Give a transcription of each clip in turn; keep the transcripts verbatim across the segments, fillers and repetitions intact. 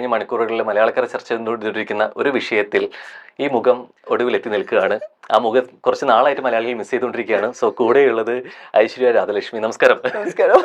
കഴിഞ്ഞ മണിക്കൂറുകളിൽ മലയാളക്കര ചർച്ച ചെയ്തുകൊണ്ടിരിക്കുന്ന ഒരു വിഷയത്തിൽ ഈ മുഖം ഒടുവിൽ എത്തി നിൽക്കുകയാണ്. ആ മുഖം കുറച്ച് നാളായിട്ട് മലയാളികൾ മിസ് ചെയ്തുകൊണ്ടിരിക്കുകയാണ്. സോ കൂടെയുള്ളത് ഐശ്വര്യ രാധലക്ഷ്മി. നമസ്കാരം. നമസ്കാരം.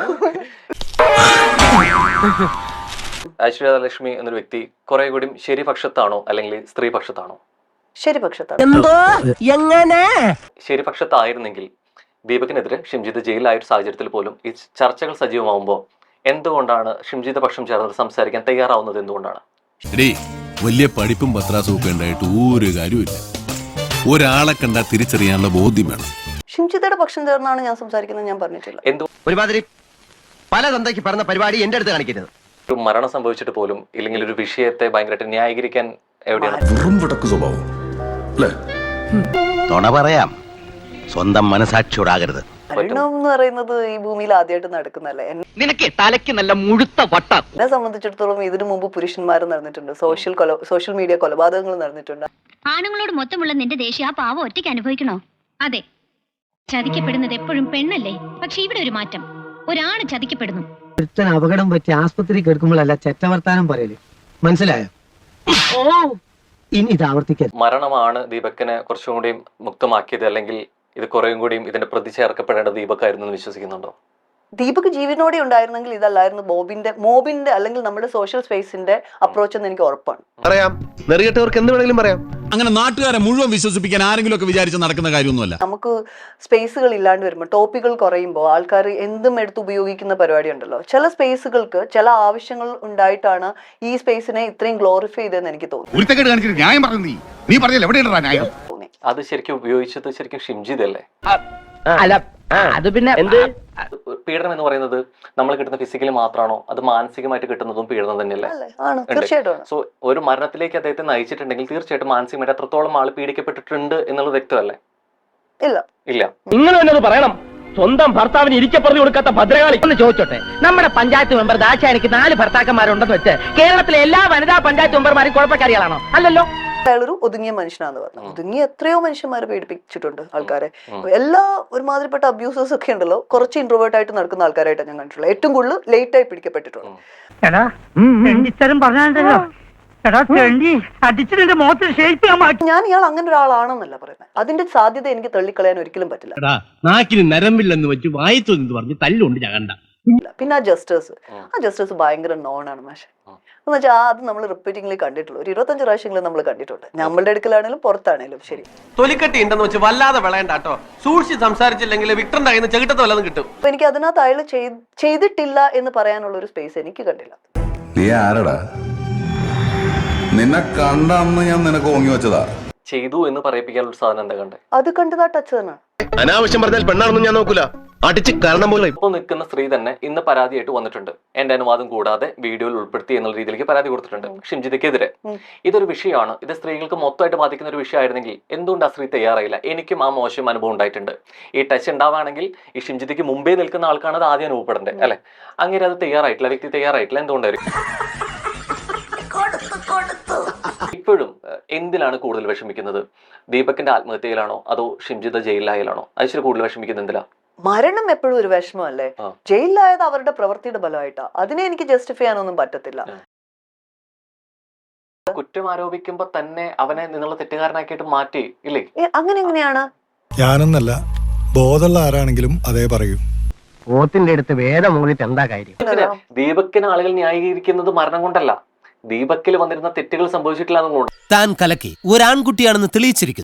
ഐശ്വര്യ രാധലക്ഷ്മി എന്നൊരു വ്യക്തി കുറെ കൂടി ശരിപക്ഷത്താണോ അല്ലെങ്കിൽ സ്ത്രീപക്ഷത്താണോ? ശരിപക്ഷത്താണ്. എന്തോ എങ്ങനെ ശരിപക്ഷത്തായിരുന്നെങ്കിൽ ദീപകിനെതിരെ ഷിംജിത്ത് ജയിലായ ഒരു സാഹചര്യത്തിൽ പോലും ഈ ചർച്ചകൾ സജീവമാവുമ്പോൾ എന്തുകൊണ്ടാണ് ഷിംജിത്ത് പക്ഷം ചേർന്ന് സംസാരിക്കാൻ തയ്യാറാവുന്നത്? എന്തുകൊണ്ടാണ്? വലിയ പഠിപ്പും പത്രാസും ഒക്കെ ഉണ്ടായിട്ട് ഒരു കാര്യമില്ല. ഒരാളെ കണ്ടാൽ തിരിച്ചറിയാനുള്ള ബോധ്യം വേണം. ഷിംജിത്തയുടെ പക്ഷം ചേർന്നാണ് ഞാൻ സംസാരിക്കുന്നത് ഞാൻ പറഞ്ഞിട്ടില്ല. എന്തു ഒരുമാതിരി പല തന്തയ്ക്ക് പറഞ്ഞ പരിപാടി എന്റെ അടുത്ത് കാണിക്കരുത്. ഒരു മരണം സംഭവിച്ചിട്ട് പോലും ഇല്ലെങ്കിൽ ഒരു വിഷയത്തെ ഭയങ്കരമായിട്ട് ന്യായീകരിക്കാൻ എവിടെയാണ്? സ്വഭാവം തൊണ പറയാം, സ്വന്തം മനസാക്ഷിയോടാകരുത്. മരണം എന്ന് പറയുന്നത് ഈ ഭൂമിയിൽ ആദ്യമായിട്ട് നടക്കുന്നല്ലേ. നിനക്ക് തലയ്ക്ക് നല്ല മുഴുത്ത വട്ട. എന്നെ സംബന്ധിച്ചിടത്തോളം ഇതിനു മുമ്പ് പുരുഷന്മാർ നടന്നിട്ടുണ്ട്, സോഷ്യൽ കൊല സോഷ്യൽ മീഡിയ കൊലപാതകങ്ങൾ നടന്നിട്ടുണ്ട്. ആണുങ്ങളോട് മൊത്തമുള്ള നിന്റെ ദേഷ്യം ആ പാവം ഒറ്റയ്ക്ക് അനുഭവിക്കണോ? അതെ, ചതിക്കപ്പെടുന്നത് എപ്പോഴും പെണ്ണല്ലേ. പക്ഷെ ഇവിടെ ഒരു മാറ്റം, ഒരാണ് ചതിക്കപ്പെടുന്നു. ഒരുത്തൻ അപകടം പറ്റി ആസ്പത്രി കിടക്കുമ്പോഴല്ല ചെറ്റവർത്താനം പറയല്, മനസ്സിലായോ? ഇനി ഇത് ആവർത്തിക്കരുത്. മരണമാണ് ദീപക്കിനെ കുറച്ചും കൂടി മുക്തമാക്കിയത്, അല്ലെങ്കിൽ ഇത് കുറേയും കൂടിയും ഇതിന്റെ പ്രതി ചേർക്കപ്പെടേണ്ട ദീപക്കായിരുന്നു എന്ന് വിശ്വസിക്കുന്നുണ്ടോ? ദീപക് ജീവനോടെ ഉണ്ടായിരുന്നെങ്കിൽ ഇതല്ലായിരുന്നു ബോബിന്റെ മോബിന്റെ അല്ലെങ്കിൽ നമ്മുടെ സോഷ്യൽ സ്പേസിന്റെ അപ്രോച്ച് എന്ന് എനിക്ക് ഉറപ്പാണ്. പറയാം, നെറികെട്ടവർക്ക് എന്ത് വേണമെങ്കിലും പറയാം. അങ്ങനെ നാട്ടുകാരെ മുഴുവൻ വിശ്വസിപ്പിക്കാൻ ആരെങ്കിലും ഒക്കെ വിചാരിച്ച് നടക്കുന്ന കാര്യമൊന്നുമല്ല. നമുക്ക് സ്പേസുകൾ ഇല്ലാണ്ട് വരുമ്പോൾ, ടോപ്പിക്കുകൾ കുറയുമ്പോൾ ആൾക്കാർ എന്തും എടുത്ത് ഉപയോഗിക്കുന്ന പരിപാടി ഉണ്ടല്ലോ. ചില സ്പേസുകൾക്ക് ചില ആവശ്യങ്ങൾ ഉണ്ടായിട്ടാണ് ഈ സ്പേസിനെ ഇത്രയും ഗ്ലോറിഫൈ ചെയ്തതെന്ന് എനിക്ക് തോന്നി. അത് ശരിക്കും ഉപയോഗിച്ചത് ശരിക്കും ഷിംജിത് അല്ലേ? അല്ല അത് പിന്നെ എന്ത് പീഡനം എന്ന് പറയുന്നത് നമ്മൾ കിട്ടുന്ന ഫിസിക്കലി മാത്രമാണോ, അത് മാനസികമായിട്ട് കിട്ടുന്നതും പീഡനം തന്നെയല്ലേ? ആണ്, തീർച്ചയായിട്ടും. സോ ഒരു മരണത്തിലേക്ക് അദ്ദേഹത്തെ നയിച്ചിട്ടുണ്ടെങ്കിൽ തീർച്ചയായിട്ടും മാനസികമായിട്ട് അത്രത്തോളം ആൾ പീഡിക്കപ്പെട്ടിട്ടുണ്ട് എന്നുള്ളത് വ്യക്തമല്ലേ? ഇല്ല ഇല്ല. നിങ്ങൾ തന്നെ പറയണം. സ്വന്തം ഭർത്താവിന് ഇരിക്കെ പറഞ്ഞു കൊടുക്കാത്ത ഭദ്രകാളി ഒന്ന് ചോദിച്ചോട്ടെ. നമ്മുടെ പഞ്ചായത്ത് മെമ്പർ ദാശാനിക്ക് നാല് ഭർത്താക്കന്മാരുണ്ടെന്ന് വെച്ച് കേരളത്തിലെ എല്ലാ വനിതാ പഞ്ചായത്ത് മെമ്പർമാരും കുഴപ്പക്കാരികളാണോ? അല്ലല്ലോ. അയാളൊരു ഒതുങ്ങിയ മനുഷ്യനാന്ന് പറഞ്ഞു. ഒതുങ്ങിയ എത്രയോ മനുഷ്യന്മാരെ പീഡിപ്പിച്ചിട്ടുണ്ട് ആൾക്കാരെ. എല്ലാ ഒരുമാതിരിപ്പെട്ട അബ്യൂസേഴ്സ് ഒക്കെ ഉണ്ടല്ലോ, കുറച്ച് ഇൻട്രോവേർട്ട് ആയിട്ട് നടക്കുന്ന ആൾക്കാരായിട്ടാണ് ഞാൻ കണ്ടിട്ടുള്ളത്. ഏറ്റവും കൂടുതൽ ലേറ്റ് ആയി പിടിക്കപ്പെട്ടിട്ടുണ്ട്. ഞാൻ ഇയാൾ അങ്ങനെ ഒരാളാണെന്നല്ല പറയുന്നത്. അതിന്റെ സാധ്യത എനിക്ക് തള്ളിക്കളയാൻ ഒരിക്കലും പറ്റില്ല. നാക്കിന് നരമ്പില്ലെന്ന് വെച്ച് വായിത്തു എന്ന് പറഞ്ഞ് തല്ലുകൊണ്ട് ഞകണ്ട. പിന്നെ ആ ജസ്റ്റേഴ്സ് ആ ജസ്റ്റേഴ്സ് ഭയങ്കര നോണാണ് മാഷെ. എന്ന് വെച്ചാൽ അത് നമ്മൾ റിപ്പീറ്റിംഗ്ലി കണ്ടിട്ടുള്ളൂ. ഒരു ഇരുപത്തഞ്ച് പ്രാവശ്യങ്ങളും നമ്മൾ കണ്ടിട്ടുണ്ട്. നമ്മളുടെ അടുക്കലാണേലും പുറത്താണേലും. ശരി, തൊലിക്കട്ടി ഉണ്ടെന്ന് വെച്ച് വല്ലാതെ വിളയണ്ടാട്ടോ. സൂക്ഷിച്ച് സംസാരിച്ചില്ലെങ്കിൽ വിക്ടറിന്റെ കയ്യിൽ നിന്ന് ചെകിട്ടത്ത് വല്ലതും കിട്ടും. അപ്പൊ എനിക്ക് അതിനകത്ത് അയാൾ ചെയ്തിട്ടില്ല എന്ന് പറയാനുള്ള ഒരു സ്പേസ് എനിക്ക് കണ്ടില്ല. നീ ആരടാ? നിന്നെ കണ്ടന്ന് ഞാൻ നിനക്ക് ഓങ്ങി വെച്ചതാ. ചെയ്തു എന്ന് പറയിപ്പിക്കാനുള്ള സാധനം എന്താ കണ്ടേ? അത് കണ്ടതാ ടച്ച് തന്നെ. അനാവശ്യം പറഞ്ഞാൽ പെണ്ണാണെന്നും ഞാൻ നോക്കൂല. അടിച്ച് കാരണം പോലെ ഇപ്പോൾ നിൽക്കുന്ന സ്ത്രീ തന്നെ ഇന്ന് പരാതിയായിട്ട് വന്നിട്ടുണ്ട്. എന്റെ അനുവാദം കൂടാതെ വീഡിയോയിൽ ഉൾപ്പെടുത്തി എന്നുള്ള രീതിയിലേക്ക് പരാതി കൊടുത്തിട്ടുണ്ട് ഷിംജിതക്കെതിരെ. ഇതൊരു വിഷയമാണ്, ഇത് സ്ത്രീകൾക്ക് മൊത്തമായിട്ട് ബാധിക്കുന്ന ഒരു വിഷയമായിരുന്നെങ്കിൽ എന്തുകൊണ്ട് ആ സ്ത്രീ തയ്യാറായില്ല? എനിക്കും ആ മോശം അനുഭവം ഉണ്ടായിട്ടുണ്ട്. ഈ ടച്ച് ഉണ്ടാവുകയാണെങ്കിൽ ഈ ഷിംജിതയ്ക്ക് മുമ്പേ നിൽക്കുന്ന ആൾക്കാണ് അത് ആദ്യം അനുഭവപ്പെടേണ്ടത് അല്ലെ? അങ്ങനെ അത് തയ്യാറായിട്ടില്ല, വ്യക്തി തയ്യാറായിട്ടില്ല. എന്തുകൊണ്ടായിരിക്കും? ഇപ്പോഴും എന്തിലാണ് കൂടുതൽ വിഷമിക്കുന്നത്? ദീപകിന്റെ ആത്മഹത്യയിലാണോ അതോ ഷിംജിത ജയിലിലായാലാണോ? അതിൽ കൂടുതൽ വിഷമിക്കുന്നത് എന്തിലാ? മരണം എപ്പോഴും ഒരു വിഷമമല്ലേ? ജയിലിലായത് അവരുടെ പ്രവൃത്തിയുടെ ബലമായിട്ടാ. അതിനെ എനിക്ക് ജസ്റ്റിഫൈ ചെയ്യാനൊന്നും പറ്റത്തില്ല. കുറ്റം ആരോപിക്കുമ്പോ തന്നെ അവനെ നിന്നുള്ള തെറ്റുകാരനാക്കിയിട്ട് മാറ്റി ഇല്ലേ? അങ്ങനെ എങ്ങനെയാണ്? ഞാനെന്നല്ല, ബോധമുള്ള ആരാണെങ്കിലും അതേ പറയൂ. ഓത്തിന്റെ അടുത്ത് വേദം മൂന്നിട്ട് എന്താ കാര്യം? ദീപക്കിന് ആളുകൾ ന്യായീകരിക്കുന്നത് മരണം കൊണ്ടല്ല, ദീപക്കിൽ വന്നിരുന്ന തെറ്റുകൾ സംഭവിച്ചിട്ടില്ല എന്നുകൊണ്ട്. താൻ കലക്കി ഒരു ആൺകുട്ടിയാണെന്ന് തെളിയിച്ചിരിക്കുന്നു.